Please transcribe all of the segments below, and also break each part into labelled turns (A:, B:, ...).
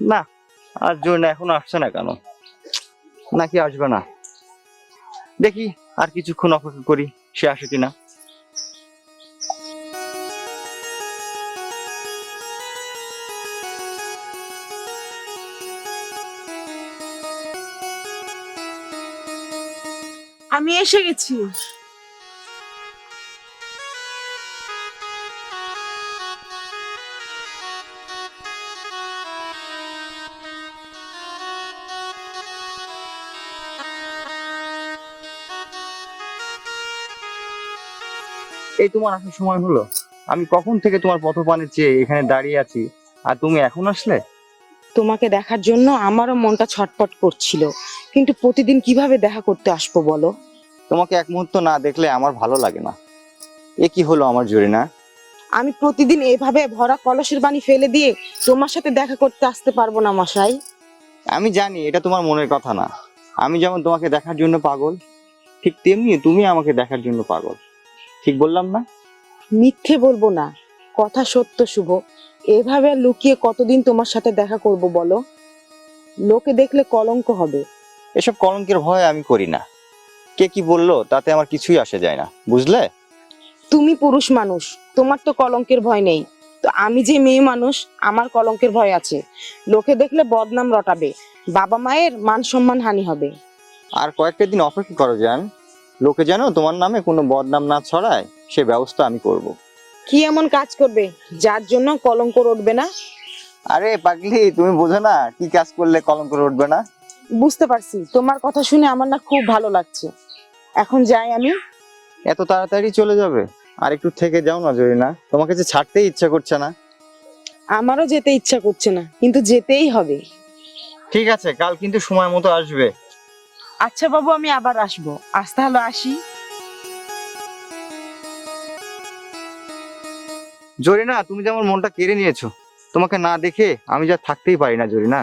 A: না, আর জরিনা এখনো আসছে না কেন? নাকি আসবে না? দেখি আর কিছুক্ষণ অপেক্ষা করি, সে আসে কিনা।
B: আমি এসে গেছি।
A: এই তোমার আসার সময় হলো? আমি কখন থেকে তোমার পথপানে চেয়ে এখানে দাঁড়িয়ে আছি, আর তুমি এখন আসলে?
B: তোমাকে দেখার জন্য আমারও মনটা ছটফট করছিল, কিন্তু প্রতিদিন কিভাবে দেখা করতে আসবো বলো?
A: তোমাকে এক মুহূর্ত না দেখলে আমার ভালো লাগে না। এ কি হলো আমার জরিনা?
B: আমি প্রতিদিন এভাবে ভরা কলসের পানি ফেলে দিয়ে তোমার সাথে দেখা করতে আসতে পারবো না মশাই।
A: আমি জানি এটা তোমার মনের কথা না। আমি যেমন তোমাকে দেখার জন্য পাগল, ঠিক তেমনি তুমি আমাকে দেখার জন্য পাগল। ঠিক বললাম না?
B: মিথ্যে বলবো না, কথা সত্য শুভ। এভাবে আর লুকিয়ে কতদিন তোমার সাথে দেখা করব বলো? লোকে দেখলে কলঙ্ক হবে।
A: এসব কলঙ্কের ভয় আমি করি না। কে কি বললো তাতে আমার কিছুই আসে যায় না, বুঝলে?
B: তুমি পুরুষ মানুষ, তোমার তো কলঙ্কের ভয় নেই। তো আমি যে মেয়ে মানুষ, আমার কলঙ্কের ভয় আছে। লোকে দেখলে বদনাম রটাবে, বাবা মায়ের মান সম্মান হানি হবে।
A: আর কয়েকটা দিন অপেক্ষা করো জান। লোকে যেন তোমার নামে কোনো বদনাম না ছড়ায়, সে ব্যবস্থা আমি করব।
B: কি এমন কাজ করবে যার জন্য কলঙ্ক রটবে না?
A: আরে পাগলি, তুমি বোঝো না কি কাজ করলে কলঙ্ক উঠবে না?
B: বুঝতে পারছি, তোমার কথা শুনে আমার না খুব ভালো লাগছে। এখন যাই আমি।
A: এত তাড়াতাড়ি চলে যাবে? আর একটু থেকে যাও না জরিনা, তোমাকে যে ছাড়তেই ইচ্ছা করছে না।
B: আমারও যেতে ইচ্ছা করছে না, কিন্তু যেতেই হবে।
A: ঠিক আছে, কাল কিন্তু সময় মতো আসবে।
B: আচ্ছা বাবু, আমি আবার আসবো। আজ তাহলে আসি।
A: জরিনা, তুমি যে আমার মনটা কেড়ে নিয়েছো। তোমাকে না দেখে আমি যা থাকতেই পারি না জরিনা।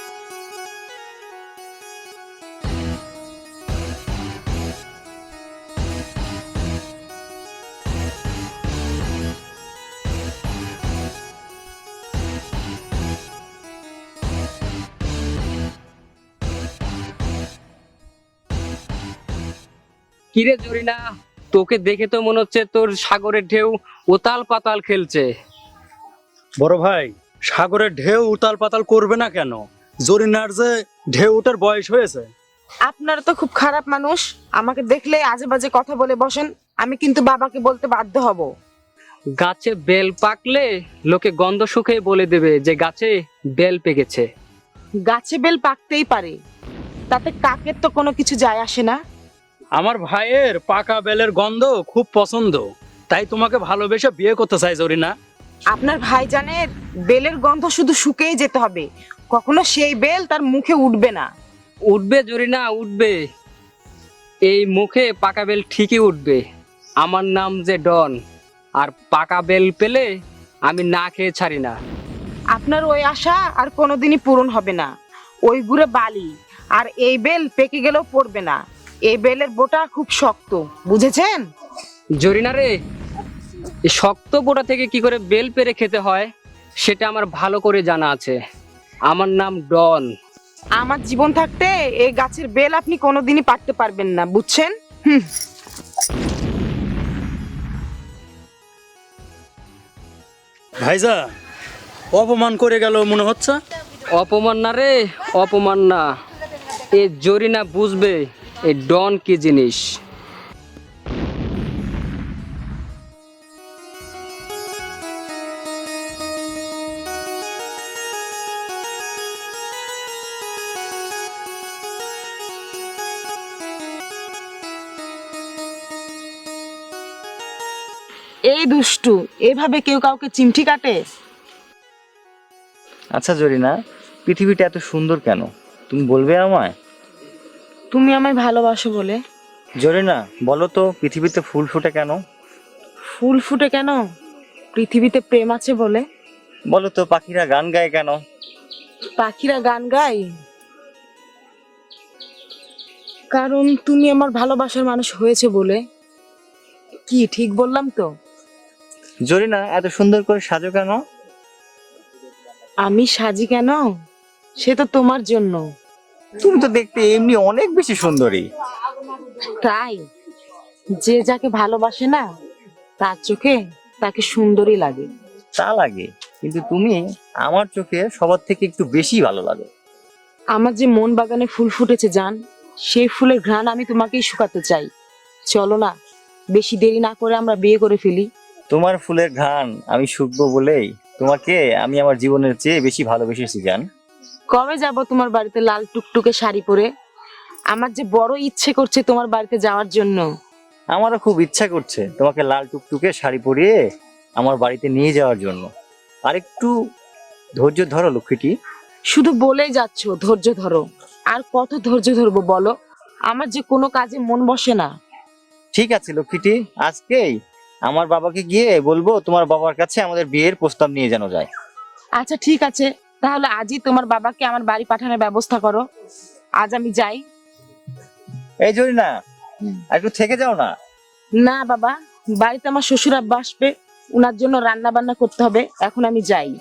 C: কিরে জরিনা, তোকে দেখে তো মনে হচ্ছে তোর সাগরের ঢেউ উতাল পাতাল খেলছে।
D: বড় ভাই, সাগরের ঢেউ উতাল পাতাল করবে না কেন? জরিনার যে ঢেউ ওঠার বয়স হয়েছে।
B: আপনারা তো খুব খারাপ মানুষ, আমাকে দেখলে আজে বাজে কথা বলে বসেন। আমি কিন্তু বাবাকে বলতে বাধ্য হব।
C: গাছে বেল পাকলে লোকে গন্ধ শুকে বলে দেবে যে গাছে বেল পেকেছে।
B: গাছে বেল পাকতেই পারে, তাতে কাকের তো কোনো কিছু যায় আসে না।
D: আমার ভাইয়ের পাকা বেলের গন্ধ খুব পছন্দ, তাই তোমাকে ভালোবেসে বিয়ে করতে চাই জরিনা।
B: আপনার ভাইজানের বেলের গন্ধ শুধু শুকেই যেতে হবে, কখনো সেই বেল তার মুখে উঠবে না।
C: উঠবে জরিনা, উঠবে। এই মুখে পাকা বেল ঠিকই উঠবে। আমার নাম যে ডন, আর পাকা বেল পেলে আমি না খেয়ে ছাড়ি না।
B: আপনার ওই আশা আর কোনোদিনই পূরণ হবে না। ওই গুড়ে বালি, আর এই বেল পেকে গেলেও পড়বে না। এই বেলের বোটা খুব শক্ত, বুঝেছেন?
C: জরিনা রে, এই শক্ত বোটা থেকে কি করে বেল পেরে খেতে হয় সেটা আমার ভালো করে জানা আছে। আমার নাম ডন।
B: আমার জীবন থাকতে এই গাছের বেল আপনি কোনোদিনই পারতে পারবেন না, বুঝছেন? হুম।
D: ভাইজা, অপমান করে গেল মনে হচ্ছে।
C: অপমান না রে, অপমান না। এ জরিনা বুঝবে এই ডন কি জিনিস।
B: এই দুষ্টু, এভাবে কেউ কাউকে চিমটি কাটে?
A: আচ্ছা জরিনা, পৃথিবীটা এত সুন্দর কেন, তুমি বলবে আমায়?
B: তুমি আমায় ভালোবাসো বলে।
A: জরিনা, বলো তো পৃথিবীতে ফুল ফোটে কেন?
B: ফুল ফুটে কেন? পৃথিবীতে প্রেম আছে বলে।
A: বলো তো পাখিরা গান গায় কেন?
B: পাখিরা গান গায় কারণ তুমি আমার ভালোবাসার মানুষ হয়েছে বলে। কি ঠিক বললাম তো?
A: জরিনা, এত সুন্দর করে সাজো কেন?
B: আমি সাজি কেন? সে তো তোমার জন্য।
A: তুমি তো দেখতে এমনি অনেক বেশি সুন্দরী।
B: তাই? যে যাকে ভালোবাসে না তার চোখে তাকে সুন্দরী লাগে।
A: তা লাগে, কিন্তু তুমি আমার চোখে সবার থেকে একটু বেশি ভালো লাগে।
B: আমার যে মন বাগানে ফুল ফুটেছে জান, সেই ফুলের ঘ্রাণ আমি তোমাকেই শুকাতে চাই। চলো না, বেশি দেরি না করে আমরা বিয়ে করে ফেলি।
A: তোমার ফুলের ঘ্রাণ আমি শুকবো বলেই তোমাকে আমি আমার জীবনের চেয়ে বেশি ভালোবেসেছি জান।
B: কবে যাব তোমার বাড়িতে লাল টুকটুকে শাড়ি পরে? আমার যে বড় ইচ্ছে করছে তোমার বাড়িতে যাওয়ার জন্য।
A: আমারও খুব ইচ্ছা করছে তোমাকে লাল টুকটুকে শাড়ি পরিয়ে আমার বাড়িতে নিয়ে যাওয়ার জন্য। আর একটু ধৈর্য ধরো লক্ষ্মীটি।
B: শুধু বলেই যাচ্ছ ধৈর্য ধরো। আর কত ধৈর্য ধরবো বলো? আমার যে কোনো কাজে মন বসে না।
A: ঠিক আছে লক্ষ্মীটি, আজকেই আমার বাবাকে গিয়ে বলবো তোমার বাবার কাছে আমাদের বিয়ের প্রস্তাব নিয়ে যেন যায়।
B: আচ্ছা ঠিক আছে, তাহলে আজই তোমার বাবাকে আমার বাড়ি পাঠানোর ব্যবস্থা করো। আজ আমি যাই।
A: এই জরিনা, আর একটু থেকে যাও না।
B: না বাবা, বাড়িতে আমার শ্বশুর আব্বা আসবে, উনার জন্য রান্না বান্না করতে হবে। এখন আমি যাই।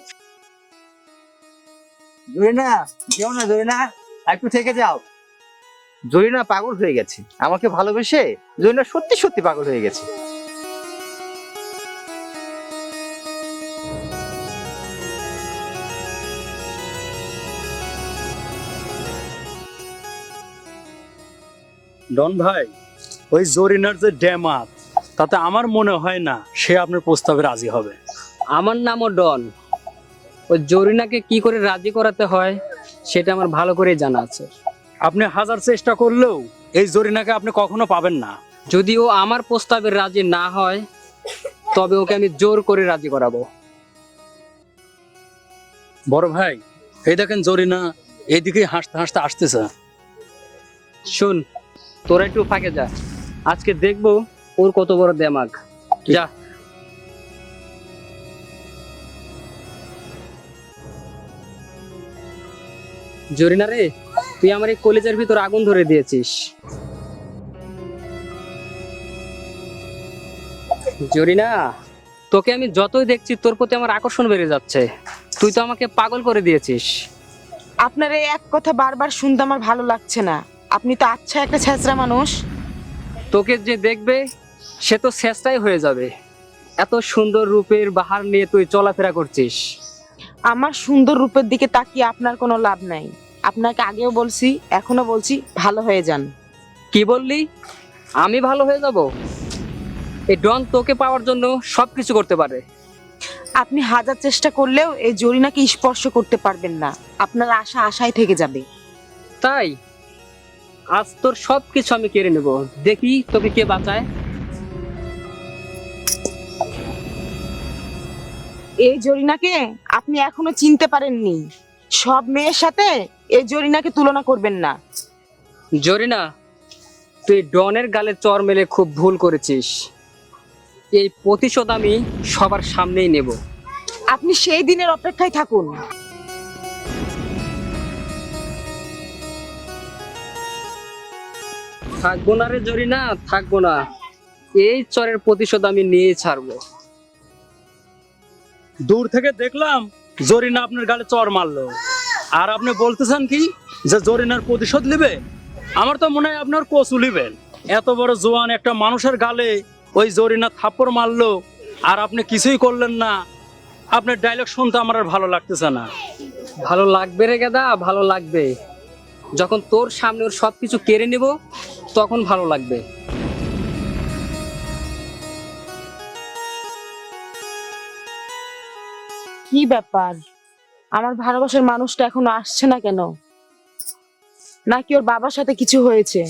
A: জরিনা, যেও না জরিনা, আর একটু থেকে যাও। জরিনা পাগল হয়ে গেছে আমাকে ভালোবেসে। জরিনা সত্যি সত্যি পাগল হয়ে গেছে।
D: ডন ভাই, ওই জরিনার যে ড্যামাত, তাতে আমার মনে হয় না সে আপনার প্রস্তাবে রাজি হবে।
C: আমার নামও ডন। ওই জরিনাকে কি করে রাজি করাতে হয় সেটা আমার ভালো করেই জানা আছে।
D: আপনি হাজার চেষ্টা করলেও এই জরিনাকে আপনি কখনো পাবেন না।
C: যদি ও আমার প্রস্তাবে রাজি না হয় তবে ওকে আমি জোর করে রাজি করাবো।
D: বড় ভাই, এই দেখেন জরিনা এইদিকে হাসতে হাসতে আসতেছে।
C: শুন, তোরা একটু ফাঁকে যা, আজকে দেখবো ওর কত বড় দেমাগ। যা। জরিনা রে, তুই আমার এই কলেজের ভিতর আগুন ধরে দিয়েছিস। জরিনা, তোকে আমি যতই দেখছি তোর প্রতি আমার আকর্ষণ বেড়ে যাচ্ছে। তুই তো আমাকে পাগল করে দিয়েছিস।
B: আপনার এই এক কথা বারবার শুনতে আমার ভালো লাগছে না। আপনি তো আচ্ছা একটা ছেঁচড়া মানুষ।
C: তোকে যে দেখবে সে তো শেষটাই হয়ে যাবে। এত সুন্দর রূপের বাহার নিয়ে তুই চলাফেরা করছিস।
B: আমার সুন্দর রূপের দিকে তাকিয়ে আপনার কোনো লাভ নাই। আপনাকে আগেও বলছি, এখনো বলছি, ভালো হয়ে যান।
C: কি বললি? আমি ভালো হয়ে যাব? এই ডন তোকে পাওয়ার জন্য সবকিছু করতে পারে।
B: আপনি হাজার চেষ্টা করলেও এই জরিনাকে স্পর্শ করতে পারবেন না। আপনার আশা আশায় থেকে যাবে।
C: তাই আজ তোর সবকিছু আমি কেড়ে নেব, দেখি তোকে কে বাঁচায়।
B: এই জরিনাকে আপনি এখনো চিনতে পারেননি। সব মেয়ের সাথে এই জরিনাকে তুলনা করবেন না।
C: জরিনা, তুই ডনের গালে চর মেলে খুব ভুল করেছিস। এই প্রতিশোধ আমি সবার সামনেই নেব।
B: আপনি সেই দিনের অপেক্ষায় থাকুন।
C: থাকবো না রে জরিনা, থাকবো না। এই চরের প্রতিশোধ আমি নিয়ে ছাড়বো।
D: দূর থেকে দেখলাম জরিনা আপনার গালে চর মারলো, আর আপনি বলতেছেন কি যে জরিনার প্রতিশোধ নেবেন? আমার তো মনে হয় আপনার কচু নেবেন। এত বড় জোয়ান একটা মানুষের গালে ওই জরিনা থাপ্পড় মারলো আর আপনি কিছুই করলেন না। আপনার ডায়লগ শুনতে আমার আর ভালো লাগতেছে না।
C: ভালো লাগবে রে গেদা, ভালো লাগবে। যখন তোর সামনে ওর সবকিছু কেড়ে নেব তখন ভালো লাগবে।
B: কি ব্যাপার? আমার ভালোবাসার মানুষটা এখনো আসছে না কেন? নাকি ওর বাবার সাথে কিছু হয়েছে?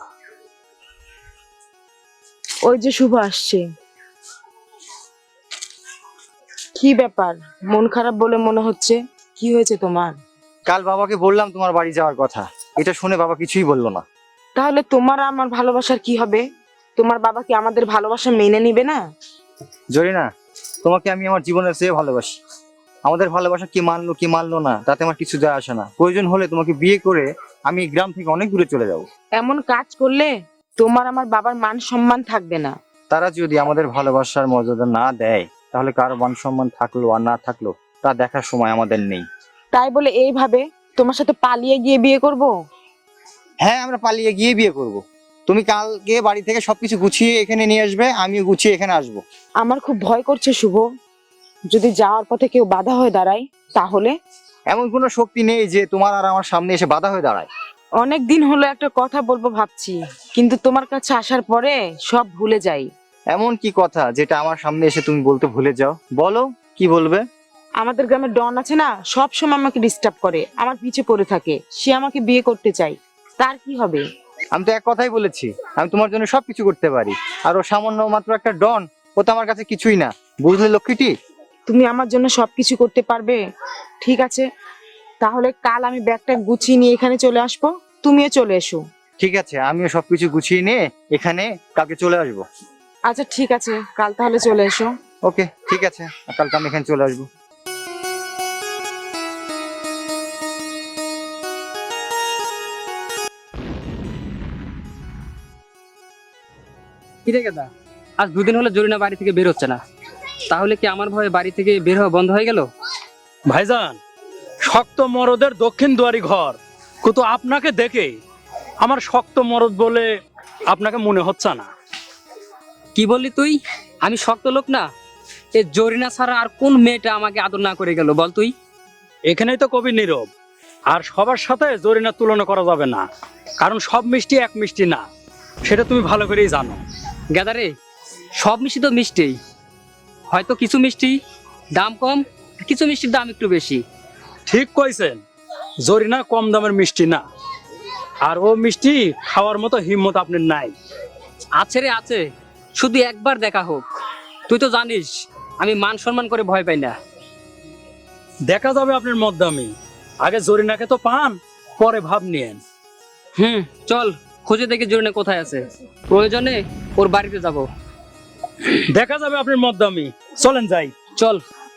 B: ওই যে শুভ আসছে। কি ব্যাপার? মন খারাপ বলে মনে হচ্ছে। কি হয়েছে তোমার?
A: কাল বাবাকে বললাম তোমার বাড়ি যাওয়ার কথা, এটা শুনে বাবা কিছুই বললো না।
B: তাহলে তোমার আর আমার ভালোবাসার কি হবে? তোমার বাবা কি আমাদের ভালোবাসা মেনে নিবে না?
A: জরিনা, তোমাকে আমি আমার জীবনের চেয়ে ভালোবাসি। আমাদের ভালোবাসা কি মানলো কি মানলো না তাতে আমার কিছু যায় আসে না। প্রয়োজন হলে তোমাকে বিয়ে করে আমি এই গ্রাম থেকে অনেক দূরে চলে যাব।
B: এমন কাজ করলে তোমার আমার বাবার মান সম্মান থাকবে না।
A: তারা যদি আমাদের ভালোবাসার মর্যাদা না দেয় তাহলে কারো মান সম্মান থাকলো আর না থাকলো তা দেখার সময় আমাদের নেই।
B: তাই বলে এইভাবে তোমার সাথে পালিয়ে গিয়ে বিয়ে করব?
A: হ্যাঁ, আমরা পালিয়ে গিয়ে বিয়ে করব। তুমি কালকে বাড়ি থেকে সবকিছু গুছিয়ে এখানে নিয়ে আসবে, আমিও গুছিয়ে এখানে আসবো।
B: আমার খুব ভয় করছে শুভ, যদি যাওয়ার পথে কেউ বাধা হয়ে দাঁড়ায় তাহলে?
A: এমন কোনো শক্তি নেই যে তোমার আর আমার সামনে এসে বাধা হয়ে দাঁড়ায়।
B: অনেক দিন হলো একটা কথা বলবো ভাবছি, কিন্তু তোমার কাছে আসার পরে সব ভুলে যাই।
A: এমন কি কথা যেটা আমার সামনে এসে তুমি বলতে ভুলে যাও? বলো, কি বলবে?
B: আমাদের গ্রামের ডন আছে না, সব সময় আমাকে ডিস্টার্ব করে, আমার পিছে পড়ে থাকে। সে আমাকে বিয়ে করতে চাই, তার কি হবে?
A: আমি তো এক কথাই বলেছি, আমি তোমার জন্য সবকিছু করতে পারি। আর ও সামান্য মাত্র একটা ডন, ও তো আমার কাছে কিছুই না, বুঝলে লক্ষ্মীটি?
B: তুমি আমার জন্য সবকিছু করতে পারবে? ঠিক আছে, তাহলে কাল আমি ব্যাগটা গুছিয়ে নিয়ে এখানে চলে আসবো, তুমিও চলে এসো।
A: ঠিক আছে, আমিও সবকিছু গুছিয়ে নিয়ে এখানে কালকে চলে আসবো।
B: আচ্ছা ঠিক আছে, কাল তাহলে চলে এসো।
A: ওকে, ঠিক আছে, কালকে আমি এখানে চলে আসবো।
C: কি রে গেদা, আজ দুদিন হলো জরিনা বাড়ি থেকে বের হচ্ছে না, তাহলে কি আমার ভয়ে বাড়ি থেকে বের হওয়া বন্ধ হয়ে গেল?
D: ভাইজান, শক্ত মরদের দক্ষিণ দুয়ারি ঘর, কিন্তু আপনাকে দেখে আমার শক্ত মরদ বলে আপনাকে মনে হচ্ছে না।
C: কি বললি তুই? আমি শক্ত লোক না? এ জরিনা ছাড়া আর কোন মেয়েটা আমাকে আদর না করে গেল বল তুই?
D: এখানেই তো কবি নীরব। আর সবার সাথে জরিনার তুলনা করা যাবে না, কারণ সব মিষ্টি এক মিষ্টি না, সেটা তুমি ভালো করেই জানো।
C: গেদা রে, সব মিষ্টি তো মিষ্টিই, হয়তো কিছু মিষ্টি দাম কম, কিছু মিষ্টির দাম একটু বেশি।
D: ঠিক কইছেন, জরিনা কম দামের মিষ্টি না, আর ও মিষ্টি খাওয়ার মতো হিম্মত আপনার নাই।
C: আছে রে আছে, শুধু একবার দেখা হোক। তুই তো জানিস আমি মান সম্মান করে ভয় পাই না।
D: দেখা যাবে আপনার মদ্দামি, আগে জরিনাকে তো পান, পরে ভাব নিয়েন।
C: চল খুঁজে দেখি জরিনা কোথায় আছে, প্রয়োজনে ওর বাড়িতে যাব।
D: দেখা যাবে আপনার মদ্দামি, চলেন যাই।
C: চল।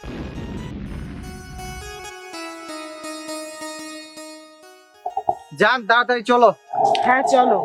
A: যান, তাড়াতাড়ি চলো।
B: হ্যাঁ চলো।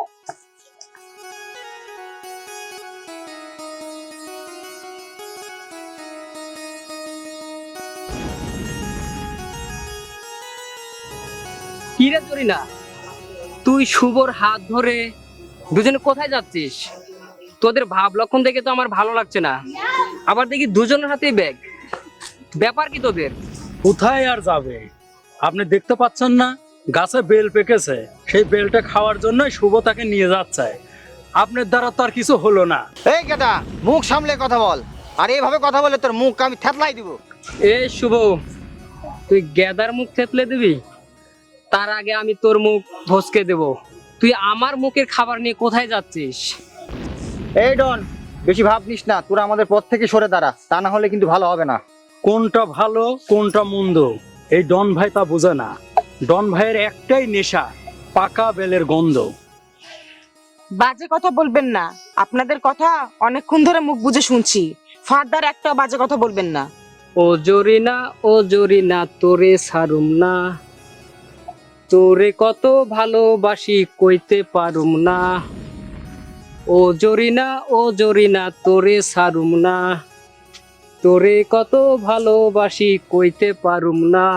C: কি রে জরিনা, তুই শুভর হাত ধরে দুজনে কোথায় যাচ্ছিস? তোদের ভাব লক্ষণ দেখে তো আমার ভালো লাগছে না, আবার দেখি দুজনের হাতেই ব্যাগ। ব্যাপার কি তোদের?
D: কোথায় আর যাবে, আপনি দেখতে পাচ্ছেন না গাছে বেল পেকেছে, সেই বেলটা খাওয়ার জন্য শুভ তাকে নিয়ে যাচ্ছে। আপনার দ্বারা তো আর কিছু হলো না।
A: এই গেদা, মুখ সামলে কথা বল, আর এইভাবে কথা বলে তোর মুখ আমি থেতলাই দিব।
C: এ শুভ, তুই গেদার মুখ থেতলে দিবি? তার আগে আমি তোর মুখ ভসকে দেব। তুই আমার মুখের খাবার নিয়ে কোথায় যাচ্ছিস?
A: এই ডন, বেশি ভাব নিস না, তোরা আমাদের পথ থেকে সরে দাঁড়া, তা না হলে কিন্তু ভালো হবে না।
D: কোনটা ভালো কোনটা মন্দ এই ডন ভাই তা বোঝে না। ডন ভাইয়ের একটাই নেশা, পাকা বেলের গন্ধ।
B: বাজে কথা বলবেন না, আপনাদের কথা অনেকক্ষণ ধরে মুখ বুজে শুনছি, ফারদার একটা বাজে কথা বলবেন না।
C: ও জরিনা তোরে ছাড়ুম না, তোরে কত ভালোবাসি কইতে পারুম না। ও জরিনা তোরে ছাড়ুম না, তোরে কত ভালোবাসি কইতে পারুম না।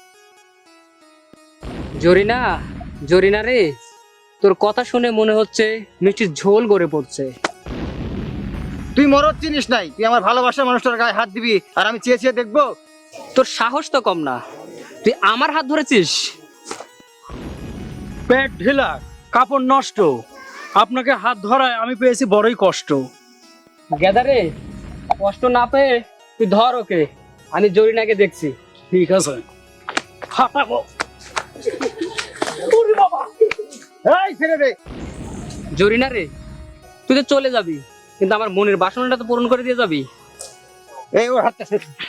C: জরিনা রে, তোর কথা শুনে মনে হচ্ছে মিষ্টির ঝোল গড়ে পড়ছে।
A: তুই মরদ চিনিস নাই, তুই আমার ভালোবাসার মানুষটার গায়ে হাত দিবি আর আমি চেয়ে চেয়ে দেখবো?
C: তোর সাহস তো কম না, তুই আমার হাত ধরেছিস।
D: পেট ঢিলা, কাপড় নষ্ট, আপনাকে হাত ধরায় আমি পেয়েছি বড়ই কষ্ট।
C: গেদারে, কষ্ট না পেয়ে তুই ধর ওকে, আমি জরিনাকে দেখছি।
D: ঠিক আছে, হাঁটাবো।
A: এই ছেড়ে দে।
C: জরিনা রে, তুই তো চলে যাবি, কিন্তু আমার মনের বাসনাটা তো পূরণ করে দিয়ে যাবি।
A: এই ওর হাতটা ছেড়ে দে।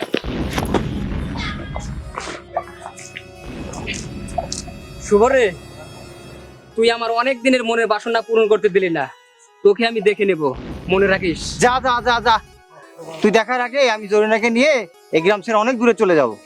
C: শুভ রে, তুই আমার অনেক দিনের মনের বাসনা পূরণ করতে দিলি না, তোকে আমি দেখে নেব, মনে রাখিস।
A: যা যা যা যা, তুই দেখার আগে আমি জরিনাকে নিয়ে এই গ্রাম ছেড়ে অনেক দূরে চলে যাব।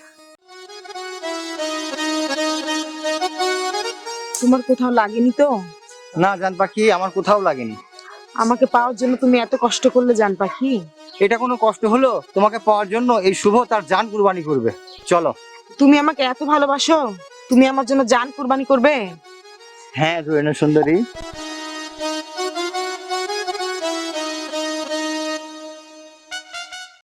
B: তোমার কোথাও লাগেনি তো?
A: না জান পাখি, আমার কোথাও লাগেনি।
B: আমাকে পাওয়ার জন্য তুমি এত কষ্ট করলে জান পাখি?
A: এটা কোনো কষ্ট হলো? তোমাকে পাওয়ার জন্য এই শুভ তার জান কুরবানি করবে। চলো।
B: তুমি আমাকে এত ভালোবাসো? তুমি আমার জন্য জান কুরবানি করবে?
A: হ্যাঁ জরিনা সুন্দরী,